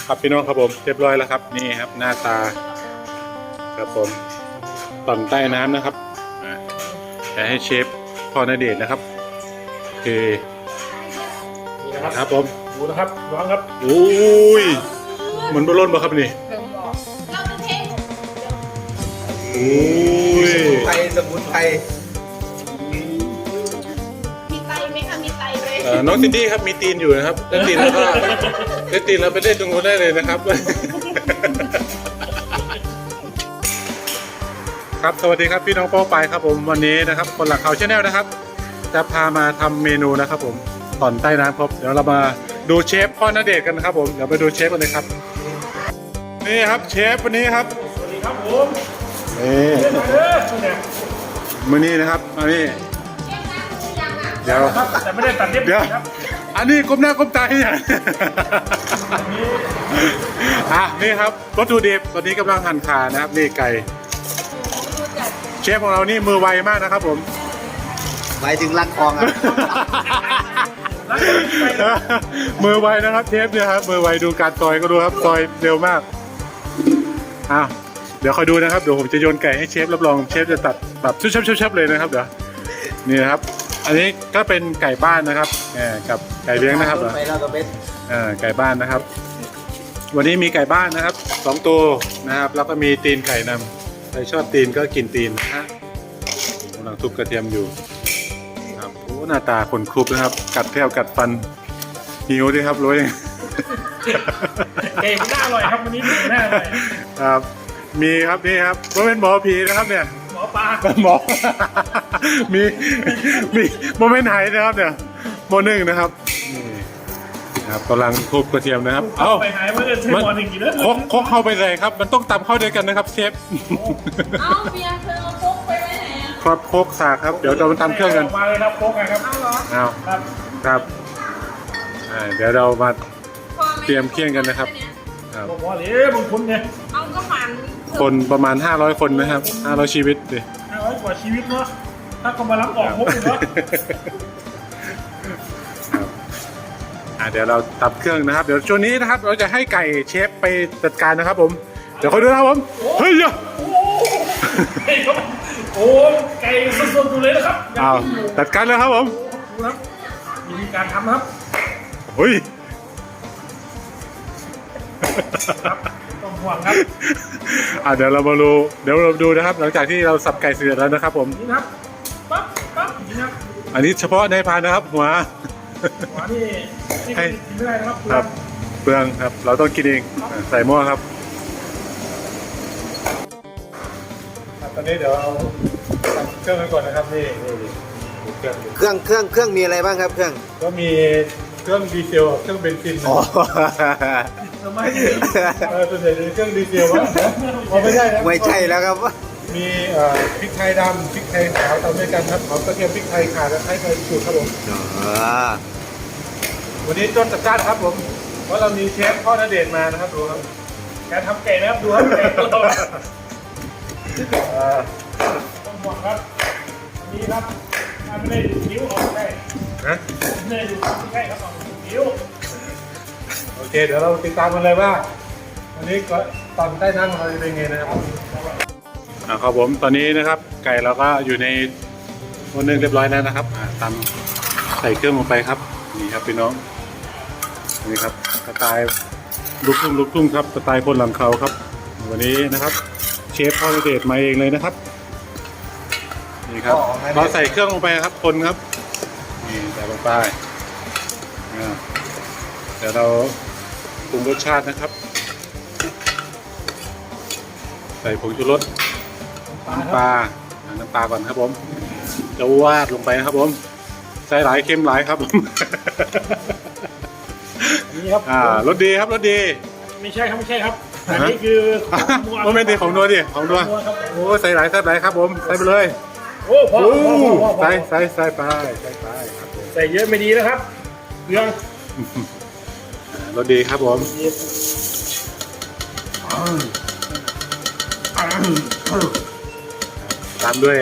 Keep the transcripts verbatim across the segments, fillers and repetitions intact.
ครับพี่น้องครับผมเรียบร้อยแล้วครับนี่ครับหน้าตาครับผมต่อนใต้น้ำนะครับจะให้เชฟพ่อณเดชน์นะครับโอเคนี่นะครับครับผมดูนะครับร้องครับโอ้ยเหมือนบอลลูนป่ะครับนี่เราจะเทโอ้ยสมุนไพรสมุนไพรมีไตไหมคะมีไตไหมเอ่อน้องซินดี้ครับมีตีนอยู่นะครับเล่นตีนแล้วก็เล่นตีนแล้วไปเล่นตรงนู้นได้เลยนะครับ ครับสวัสดีครับพี่น้องโป้ไปครับผมวันนี้นะครับคนหลักเขาชาแนลนะครับ จะพามาทำเมนูนะครับผมต่อนใต้น้ำครับเดี๋ยวเรามาดูเชฟพ่อณเดชน์กันนะครับผมเดี๋ยวไปดูเชฟกันเลยครับนี่ครับเชฟวันนี้ครับสวัสดีครับผมนี่เล่นมาเลยเนี่ยมื้อนี้นะครับอันนี้เชฟล้างมือยังอ่ะเดี๋ยวครับแต่ไม่ได้ตัดเล็บเดี๋ยวครับอันนี้ก้มหน้าก้มตาที่ไหน อ่ะนี่ครับวัตถุดิบตอนนี้กำลังหั่นขานะครับนี่ไก่เชฟของเรานี่มือไวมากนะครับผมหมายถึงรักคลองอ่ะมือไวนะครับเชฟเนี่ยครับมือไวดูการซอยก็ดูครับซอยเร็วมากอ้าวเดี๋ยวคอยดูนะครับเดี๋ยวผมจะโยนไก่ให้เชฟรับรองเชฟจะตัดแบบชุบๆๆเลยนะครับเดี๋ยวนี่นะครับ อันนี้ก็เป็นไก่บ้านนะครับแหมกับไก่เลี้ยงนะครับไปแล้วก็เป็นอ่าไก่บ้านนะครับ วันนี้มีไก่บ้านนะครับสองตัวนะครับ แล้วก็มีตีนไก่นำใครชอบตีนก็กินตีนนะฮะกำลังทุบกระเทียมอยู่ครับโอ้หน้าตาคนครุบนะครับ กัดแทบกัดฟันหิวด้วยครับรู้ยังเก่งหน้าอร่อยครับวันนี้หน้าอร่อยครับมีครับนี่ครับว่าเป็นหมอผีนะครับเนี่ยหมอปลาหมอ มีมีโมเมนต์ไหนนะครับเนี่ยโมหนึ่งนะครับนี่นะครับกำลังทุบกระเทียมนะครับเอ้าไปหายมาเลยใช้หมอหนึ่งกี่เด้อโคกโคกเข้าไปเลยครับ มันต้องตำเข้าด้วยกันนะครับเชฟเอาเบียร์เธอเอาพกไปไว้ไหนอ่ะครับโคกสากครับ เดี๋ยวเรามาทำเครื่องกันมาเลยครับโค้กครับเอาเหรอเอาครับครับอ่าเดี๋ยวเรามาพอไหเตรียมเครื่องกันนะครับ ครับบอกว่าเลยบางคนเนี่ยเอาก็หมันคนประมาณห้าร้อยคนนะครับห้าร้อยชีวิตดิห้าร้อยกว่าชีวิตเนาะถ้าก็มารับออกพกเลยเนาะครับอ่าเดี๋ยวเราตับเครื่องนะครับ เดี๋ยวช่วงนี้นะครับ เราจะให้ไก่เชฟไปจัดการนะครับผม เดี๋ยวคอยดูนะครับผม เฮ้ยอย่าเฮ้ยครับโอ้ไก่สดๆอยู่เลยนะครับอ้าวจัดการเลยครับผมดูครับมีการทำนะครับเฮ้ยครับต้องห่วงครับอ่าเดี๋ยวเรามาดูเดี๋ยวเราดูนะครับ หลังจากที่เราสับไก่เสร็จแล้วนะครับผมนี่นะครับปั๊บปั๊บนี่นะครับอันนี้เฉพาะในพานนะครับ หัวหัวนี่นี่ให้กินไม่ได้นะครับครับเปลืองครับ เราต้องกินเองอ่ะใส่หม้อครับตอนนี้เดี๋ยวเอาทำเครื่องกันก่อนนะครับนี่นี่นี่เครื่องเครื่องเครื่องเครื่องมีอะไรบ้างครับเครื่องก็มีเครื่องดีเซลกับเครื่องเบนซินนะอ๋อทำไมเออส่วนใหญ่จะเป็นเครื่องดีเซลวะอ๋อไม่ใช่นะไม่ใช่แล้วครับมีเอ่อพริกไทยดำพริกไทยขาวทำด้วยกันครับหอมกระเทียมพริกไทยข่าและไทยไทยสูตรครับผมอ๋อวันนี้ต้นจัดจ้านครับผมเพราะเรามีเชฟพ่อณเดชน์มานะครับดูครับการทำไก่นะครับดูครับไก่ตัวโตเอ่อต้องห่วงครับนี่ครับถ้าไม่ได้ดูนิ้วออกได้นะไม่ได้ดูใกล้ครับออกนิ้วโอเคเดี๋ยวเราติดตามกันเลยว่าวันนี้ก็ตอนใต้น้ำของเราจะเป็นไงนะครับอ่าครับผมตอนนี้นะครับ ไก่เราก็อยู่ในวันนึงเรียบร้อยแล้วนะครับอ่าตำใส่เครื่องลงไปครับนี่ครับพี่น้องนี่ครับสไตล์ลูกทุ่งลูกทุ่งครับสไตล์คนหลังเขาครับ วันนี้นะครับ เชฟพ่อณเดชน์มาเองเลยนะครับนี่ครับเราใส่เครื่องลงไปครับคนครับนี่ใส่ลงไปอ่าเดี๋ยวเราปรุงรสชาตินะครับ ใส่ผงชูรสน้ำปลาอ่าน้ำปลาก่อนครับผมจะวาดลงไปนะครับผมใส่หลายเค็มหลายครับผมนี่ครับอ่ารสดีครับรสดีไม่ใช่ครับไม่ใช่ครับอันนี้คือโมเมนต์ดีของนัวดิของนัวครับโอ้ใส่หลายใส่หลายครับผมใส่ไปเลยโอ้พอโอ้พอพอพอพอใส่ใส่ใส่ไปใส่ไปครับผมใส่เยอะไม่ดีนะครับเรื่องอ่ารสดีครับผมตามด้วย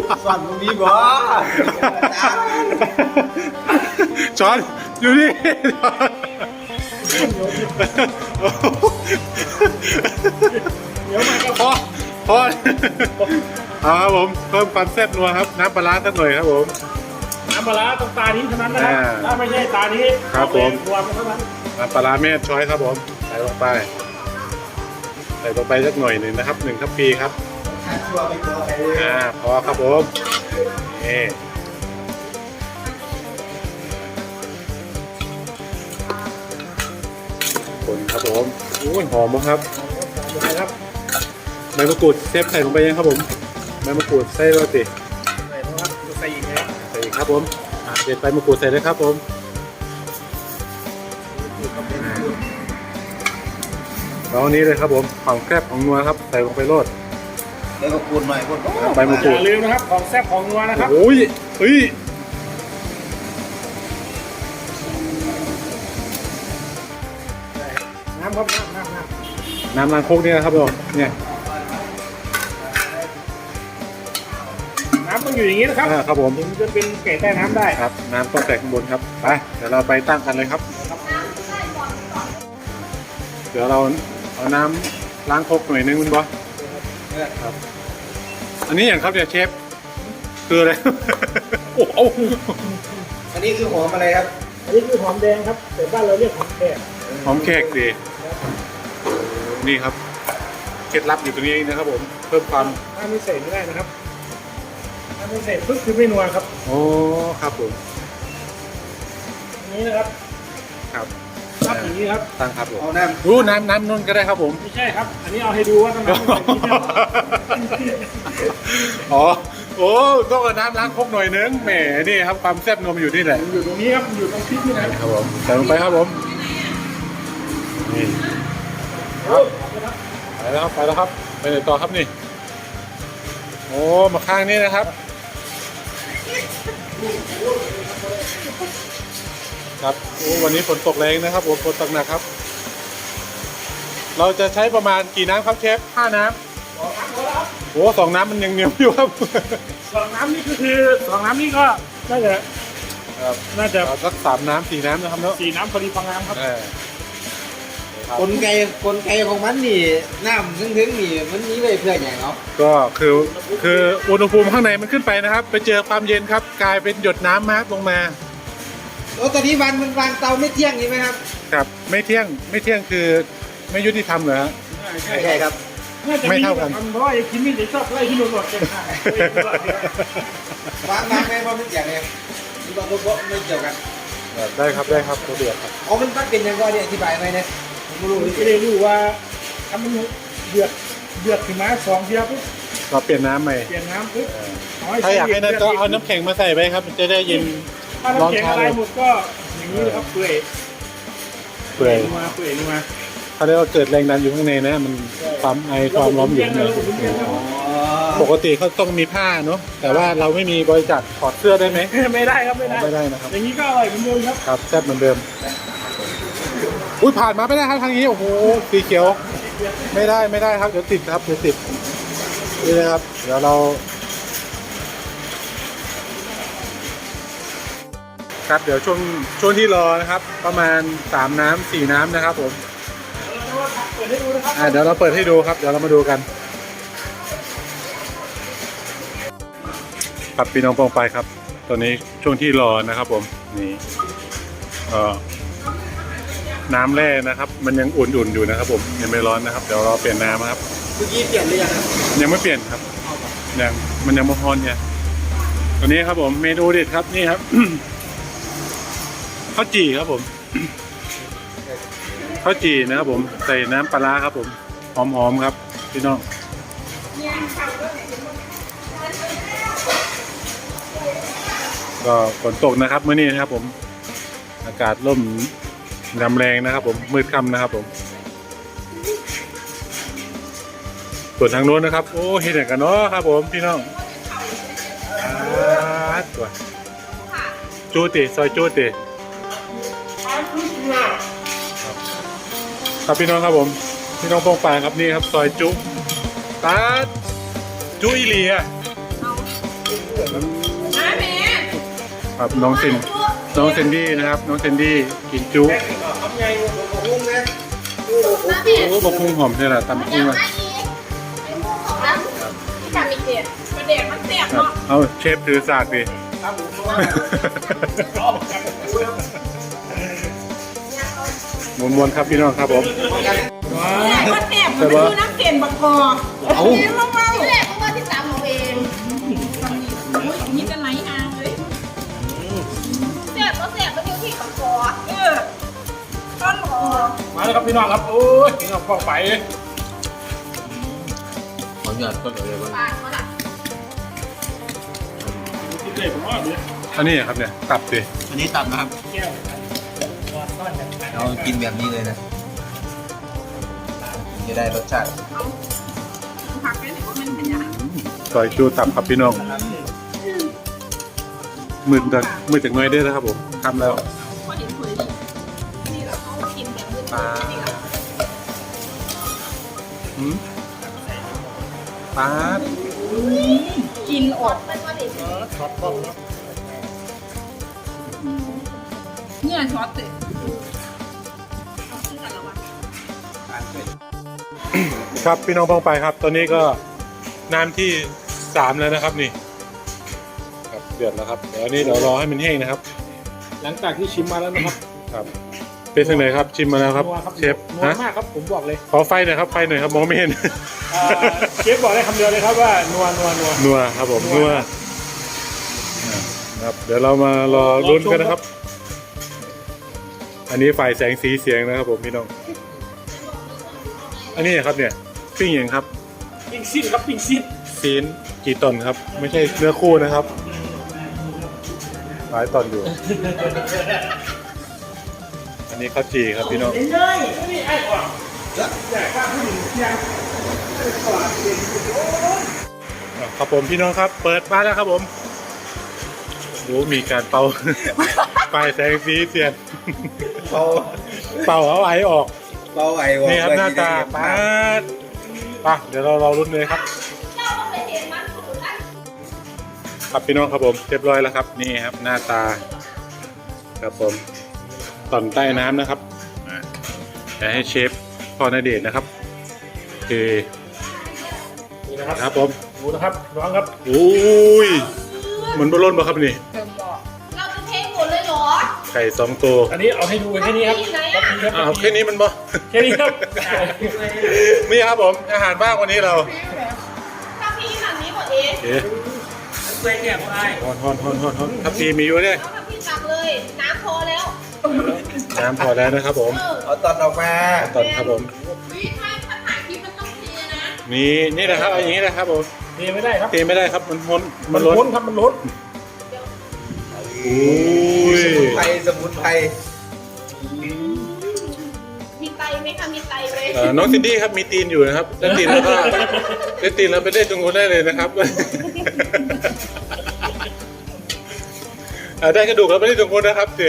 สอนตรงนี้บ่ช้อนอยู่นี่พอพอเอาครับผมเพิ่มความแซ่บนัวครับน้ำปลาร้าสักหน่อยครับผมน้ำปลาร้าต้องตานี้เท่านั้นนะครับอ่าถ้าไม่ใช่ตานี้ครับผมรวมเท่านั้นน้ำปลาร้าแม่ช้อยครับผมใส่ลงไปใส่ลงไปสักหน่อยหนึ่งนะครับหนึ่งทัพพีครับชั่วไปกลัวใครเลยอ่าพอครับผมนี่คนครับผมโอ้ยหอมมากครับนะครับใบมะกรูดเซฟใส่ลงไปยังครับผมใบมะกรูดใส่แล้วสิใส่นะครับใส่อีกแล้วใส่อีกครับผมอ่าเด็ดใบมะกรูดใส่เลยครับผมแล้วอันนี้เลยครับผมของแคบของนัวครับใส่ลงไปโรดแล้วก็คูณหน่อยคูณใบมะกอรูดย่าลืมนะครับของแซ่บของนัวนะครับโอ้ยเฮ้ยน้ำครับน้ำน้ำน้น้ำล้างโคกเนี่ยครับผมเนี่ยำน้ำต้องอยู่อย่างนี้นะครับอ่าครับผมถึงจะเป็นไก่ใต้น้ำได้ครับน้ำต้องแตกข้างบนครับไปเดี๋ยวเราไปตั้งกันเลยครับ เดี๋ยวเราเอาน้ำล้างโคกหน่อยนึงคุณบอสครับ อันนี้อย่างครับเนี่ยเชฟคืออะไร โอ้โหอันนี้คือหอมอะไรครับอันนี้คือหอมแดงครับแต่บ้านเราเรียกหอมแดงหอมแขกดีนี่ครับเคล็ดลับอยู่ตรงนี้เองนะครับผมเพิ่มความถ้าไม่ใส่ไม่ได้นะครับถ้าไม่ใส่ปึ๊บคือไม่นัวครับโอ้ครับผมอันนี้นะครับครับทับอย่างนี้ครับตั้งครับผมเอาน้รู้น้ำน้ำนุ่นก็ได้ครับผมไม่ใช่ครับ อันนี้เอาให้ดูว่าต้องน้ำใส่ที่เดียวอ๋อโอ้ต้องเอาน้ำล้างโคกหน่อยนึงแหมนี่ครับความแซ่บนมอยู่นี่แหละอยู่ตรงนี้ครับอยู่ตรงพริกนี่นะครับผมใส่ลงไปครับผมนี่โอ้ไปแล้วครับไปแล้วครับไปไหนต่อครับนี่โอ้มาข้างนี้นะครับครับโอ้วันนี้ฝนตกแรงนะครับโอ้ฝนตกหนักครับ เราจะใช้ประมาณกี่น้ำครับเชฟห้าน้ำโอ้สองน้ำมันยังเหนียวอยู่ครับสองน้ำนี่ก็คือสองน้ำนี่ก็น่าจะครับน่าจะเอาสักสามน้ำสี่น้ำนะครับเนาะสี่น้ำพอดีพองามครับเออครับำกลไกกลไกของมันนี่น้ำถึงๆนี่มันนี้ไว้เพื่ออย่างเนาะก็คือคืออุณหภูมิข้างในมันขึ้นไปนะครับ ไปเจอความเย็นครับ กลายเป็นหยดน้ำมาลงมาโอ้ตอนนี้วันมันวางเตาไม่เที่ยงนี่ไหมครับครับไม่เที่ยงไม่เที่ยงคือไม่ยุติธรรมเหรอฮะใช่ใช่ครับน่าจะไม่มีเท่ากันทำเพราะว่าไอ้คิมมี่จะชอบไล่ที่โดนหลอดเกินไปวางวางไว้เพราะมันเกี่ยวไงมันบอกว่าไม่เกี่ยวกันได้ครับได้ครับระเบียบครับอ๋อมันมันเป็นยังไงเนี่ยอธิบายไหมเนี่ยผมไม่รู้ไม่ได้รู้ว่าทำมันเดือดเดือดขึ้นมาสองเทียปุ๊บเราเปลี่ยนน้ำใหม่เปลี่ยนน้ำปุ๊บถ้าอยากให้นั่นก็เอาน้ำแข็งมาใส่ไปครับ มันจะได้เย็นถ้าน้ำแข็งอะไรหมดก็อย่างนี้นะครับเปื่อยเปื่อยมาเปื่อยมาเขาเรียกว่าเกิดแรงดันอยู่ข้างในนะ มันความไอความร้อนอยู่ข้างในอ๋อปกติเขาต้องมีผ้าเนาะแต่ว่าเราไม่มีบริจาคถอดเสื้อได้ไหมไม่ได้ครับไม่ได้ไม่ได้นะครับอย่างนี้ก็อร่อยเหมือนเดิมครับครับแซ่บเหมือนเดิม อุ้ยผ่านมาไม่ได้ครับทางนี้ โอ้โห สีเขียว ไม่ได้ไม่ได้ครับ เดี๋ยวติดครับ เดี๋ยวติด นี่นะครับ เดี๋ยวเรา ครับ เดี๋ยวช่วงช่วงที่รอนะครับ ประมาณสามน้ำสี่น้ำนะครับผมเปิดให้ดูนะครับอ่าเดี๋ยวเราเปิดให้ดูครับ เดี๋ยวเรามาดูกัน ครับพี่น้องปองไปครับ ตอนนี้ช่วงที่รอนะครับผม นี่เอ่อน้ำแร่นะครับ มันยังอุ่นๆอยู่นะครับผมยังไม่ร้อนนะครับ เดี๋ยวเราเปลี่ยนน้ำนะครับเมื่อกี้เปลี่ยนหรือยังครับยังไม่เปลี่ยนครับยังมันยังไม่ร้อนเนี่ยตัวนี้ครับผมเมนูเด็ดครับนี่ครับ ข้าวจี่ครับผม ข้าวจี่นะครับผมใส่น้ำปลาร้าครับผมหอมๆครับพี่น้องก็ฝนตกนะครับเมื่อนี้นะครับผมอากาศร่มกำแรงนะครับผมมืดค่ำนะครับผมส่วนทางโน้นนะครับโอ้เห็นอย่างกันเนาะครับผมพี่น้องอ่าตัวจูติซอยจูติครับพี่น้องครับผมพี่น้องโป้งปานครับนี่ครับซอยจุตาจุอีเลียเอามาแม่ครับน้องซินน้องเซนดี้นะครับน้องเซนดี้กินจุทำไงงงนะมาแม่โอ้บะพุงหอมใช่หรอตำพุงอ่ะที่ทำอีกเด็ดประเด็ดมันเสียบครับเนาะเอาเชฟถือสากดิครับผมเพราะว่าชอบกันมวนๆครับพี่น้องครับผมเนี่ยก็เสียบมันคือน้ำเสียนบักกอเอาที่ลงมาที่แรกก็ว่าที่ตามเราเองนี่จะไหลหางเลยเสียบก็เสียบมันอยู่ที่บักกอเออต้นบักกอมาแล้วครับพี่น้องครับโอ้ยพี่น้องฟองไปขอหยอดต้นเลยก่อนปากเขาล่ะที่เด็กผมว่าเนี่ยอันนี้ครับเนี่ยตับดิอันนี้ตับนะครับแก้วก้อนกันเรากินแบบนี้เลยนะจะได้รสชาติเอาผักไปไหนว่ามันเป็นยังซอยจูตับครับพี่น้องมืดจากมืดจากหน้อยได้แล้วครับผมทำแล้วพอเห็นเผยดินี่เราเขากินแบบมืดๆนี่แหละหืมปาดกินอดมันก็เด็ดช็อตป้องครับเงื่อนช็อตเลยเอาขึ้นกันแล้ววะครับพี่น้องพ้องไปครับ ตอนนี้ก็น้ำที่สามแล้วนะครับนี่ครับเดือดแล้วครับเดี๋ยวอันนี้เดี๋ยวรอให้มันแห้งนะครับหลังจากที่ชิมมาแล้วนะครับครับเป็นยังไงครับชิมมาแล้วครับนัวเชฟนัวฮะมากครับผมบอกเลยขอไฟหน่อยครับไฟหน่อยครับมองไม่เห็นเอ่อเชฟบอกได้คำเดียวเลยครับว่านัวนัวนัวนัวครับผมนัวครับเดี๋ยวเรามารอลุ้นกันนะครับ อันนี้ฝ่ายแสงสีเสียงนะครับผมพี่น้องอันนี้ครับเนี่ยปิ้งอย่างครับปิ้งซิ้นครับปิ้งซิ้นซีนกี่ตอนครับ ไม่ใช่เนื้อคู่นะครับหลายตอนอยู่ อันนี้ข้าวจีครับพี่น้องเลยนี่ไอ้ก่อนแต่ข้าผู้หญิงยังครับผมพี่น้องครับ เปิดบ้านแล้วครับผมโอ้มีการเป่า ปลายแสงสีเสียงเบาเป่าเอาไอออกเบาไอ้วะนี่ครับหน้าตาปาดปะเดี๋ยวเราเราลุ้นเลยครับเจ้าต้องไปเห็นมันถูกได้ครับพี่น้องครับผมเรียบร้อยแล้วครับนี่ครับหน้าตาครับผมต่อนใต้น้ำนะครับอ่าเดี๋ยวให้เชฟพอนาเดชน์นะครับโอเคนี่นะครับครับผมดูนะครับน้องครับโอ้ยเหมือนบอลลอนปะครับนี่เติมบอกเราจะเทหมดเลยเหรอไก่สองตัวอันนี้เอาให้ดูกันแค่นี้ครับอ้าวแค่นี้มันบ่แค่นี้ครับนี่ครับผมอาหารบ้างวันนี้เราถ้าพี่ขนาดนี้หมดเองโอเคฮอนฮอนฮอนฮอนฮอนทับพีมีอยู่เนี่ยแล้วถ้าพี่ตักเลย น้ำพอแล้วน้ำพอแล้วนะครับผมเออเอาตอนออกมาตอนครับผมวิถ้าถ้าถ่ายคลิปมันต้องเทนะนี่นี่นะครับเอาอย่างนี้นะครับผมนี่ไม่ได้ครับเทไม่ได้ครับมันล้นมัมัน นล้นล้นครับมันล้นโอ้ยสมุนไพรสมุนไพรมีไตไหมคะมีไตไหมเอ่อน้องซินดี้ครับมีตีนอยู่นะครับได้ตีนแล้วก็ได้ตีนแล้วไปได้ตรงนู้นได้เลยนะครับ เอ่อได้กระดูกแล้วไปได้ตรงนู้นนะครับสิ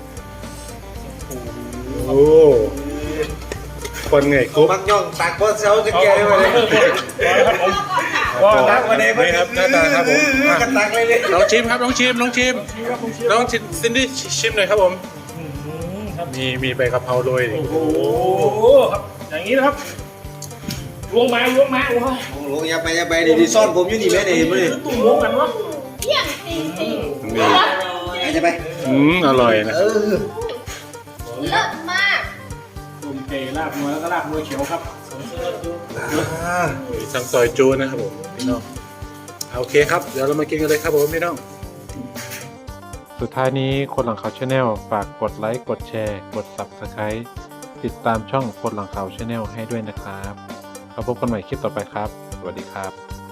โอ้คนไงกุ๊บมักย่องตักบอสเซาจะเอาแก่เอาได้ไหมเอาครับผมก็ค่ะก็ตักมาเลยนี่ครับหน้าตาครับผมอ่ะกันตักเลยเลยน้องชิมครับน้องชิมน้องชิมนี่ครับผมเชื่อน้องชิมซินดี้ชิมหน่อยครับผมอืมครับมีมีใบกะเพราโรยดิโอ้โหครับอย่างนี้นะครับล้วงไม้ล้วงไม้โอ้ยโอ้โหอย่าไปอย่าไปดิดิซ่อนผมอยู่นี่แม่เนี่ยเห็นไหมเนี่ยตุ่มล้วงกันวะเที่ยงจริงจริงนี่อย่าไปอืมอร่อยนะเออเลิศมากตุ่มเกลาบนัวแล้วก็ลาบนัวเขียวครับอ่ามีทั้งซอยจูนะครับผมพี่น้องโอเคครับเดี๋ยวเรามากินกันเลยครับผมพี่น้องสุดท้ายนี้คนหลังข่าวชาแนลฝากกดไลค์กดแชร์กด ซับสไครบ์ ติดตามช่องคนหลังข่าวชาแนลให้ด้วยนะครับแล้วพบกันใหม่คลิปต่อไปครับสวัสดีครับ